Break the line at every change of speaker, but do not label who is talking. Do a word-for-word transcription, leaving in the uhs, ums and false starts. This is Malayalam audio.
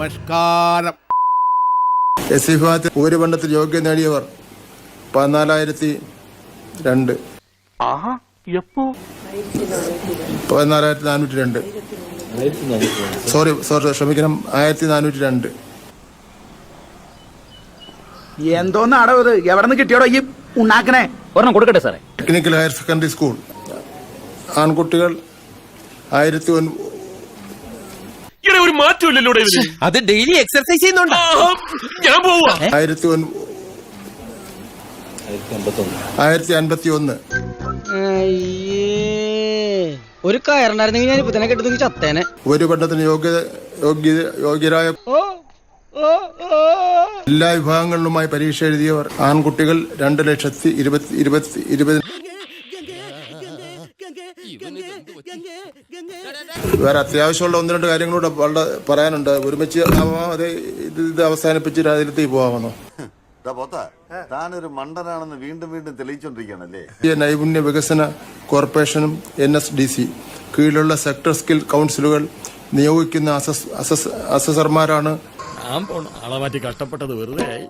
നമസ്കാരം.
എസ് സി വിഭാഗത്തിൽ ഭൂരിപണ്ടത്തിൽ യോഗ്യത നേടിയവർ പതിനാലായിരത്തി രണ്ട് പതിനാലായിരത്തി നാനൂറ്റി രണ്ട് സോറി സോറി ക്ഷമിക്കണം ആയിരത്തി നാനൂറ്റി രണ്ട്.
എന്തോന്നാടോ ഇത്? എവിടെ നിന്ന് കിട്ടിയോടോ ഈ ഉണ്ടാക്കണേ?
ഒരെണ്ണം കൊടുക്കട്ടെ സാറേ.
ടെക്നിക്കൽ ഹയർ സെക്കൻഡറി സ്കൂൾ ആൺകുട്ടികൾ ആയിരത്തി
ഒരു മാറ്റമില്ലല്ലോ
അത് ഡെയിലി എക്സർസൈസ് ചെയ്യുന്നുണ്ട്.
ഞാൻ പോവാ.
ആയിരത്തി ആയിരത്തി അൻപത്തി ഒന്ന്.
ഒരു കയറുണ്ടായിരുന്നെങ്കിൽ ഞാൻ ഇപ്പൊ തന്നെ കെട്ടുന്ന ചത്തേനെ.
ഒരു പഠനത്തിന് യോഗ്യത യോഗ്യ യോഗ്യരായ എല്ലാ വിഭാഗങ്ങളിലുമായി പരീക്ഷ എഴുതിയവർ ആൺകുട്ടികൾ രണ്ട് ലക്ഷത്തി ഇരുപത്തി ഇരുപത്തി ഇരുപത്. വേറെ അത്യാവശ്യമുള്ള ഒന്ന് രണ്ട് കാര്യങ്ങളൂടെ വളരെ പറയാനുണ്ട്. ഒരുമിച്ച് അതെ ഇത് ഇത് അവസാനിപ്പിച്ച് രാജ്യത്തേക്ക് പോകാമെന്നോ?
താനൊരു മണ്ടനാണെന്ന് വീണ്ടും വീണ്ടും തെളിയിച്ചോണ്ടിരിക്കുകയാണല്ലേ.
നൈപുണ്യ വികസന കോർപ്പറേഷനും എൻ എസ് ഡി സി കീഴിലുള്ള സെക്ടർ സ്കിൽ കൗൺസിലുകൾ നിയോഗിക്കുന്ന അസസ് അസസ് അസസർമാരാണ്.
ആളെ മാറ്റി കഷ്ടപ്പെട്ടത് വെറുതെ ആയി.